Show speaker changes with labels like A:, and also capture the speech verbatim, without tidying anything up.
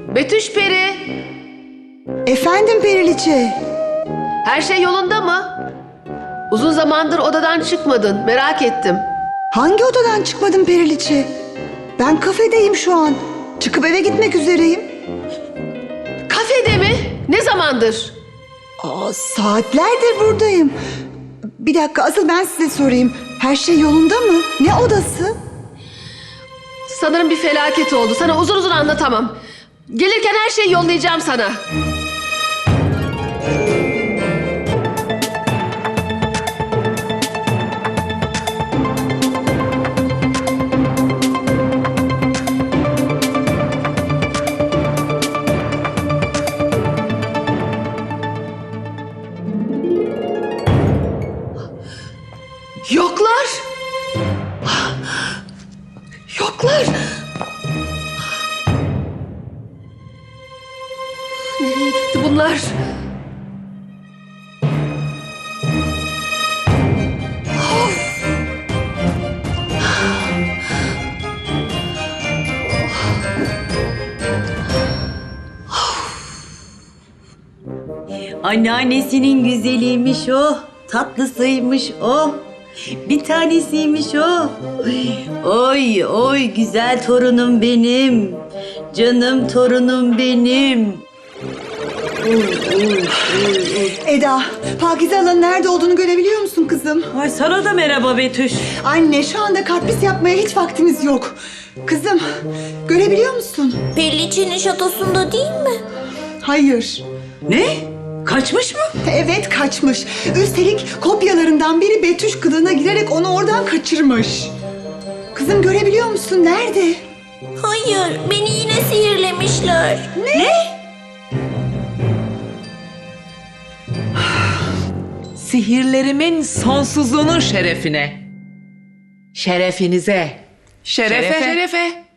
A: Betüş Peri,
B: Efendim Periliçe.
A: her şey yolunda mı? Uzun zamandır odadan çıkmadın, merak ettim.
B: Hangi odadan çıkmadın Periliçe? Ben kafedeyim şu an. Çıkıp eve gitmek üzereyim.
A: Kafede mi? Ne zamandır?
B: Aa, saatlerdir buradayım. Bir dakika, asıl ben size sorayım. Her şey yolunda mı? Ne odası?
A: Sanırım bir felaket oldu. Sana uzun uzun anlatamam. Gelirken her şeyi yollayacağım sana. Yoklar. Yoklar. Nereye gitti bunlar?
C: Anneannesinin güzeliymiş o, tatlısıymış o, bir tanesiymiş o. Oy oy güzel torunum benim, canım torunum benim. Oy, oy, oy, oy.
B: Eda, Pakize Hala'nın nerede olduğunu görebiliyor musun kızım?
C: Ay sana da merhaba Betüş.
B: Anne, şu anda kartpis yapmaya hiç vaktimiz yok. Kızım, görebiliyor musun?
D: Periliçe'nin şatosunda değil mi?
B: Hayır.
C: Ne? Kaçmış mı?
B: Evet, kaçmış. Üstelik kopyalarından biri Betüş kılığına girerek onu oradan kaçırmış. Kızım, görebiliyor musun? Nerede?
D: Hayır, beni yine sihirlemişler.
E: Sihirlerimin sonsuzluğunun şerefine. Şerefinize.
A: Şerefe. Şerefe.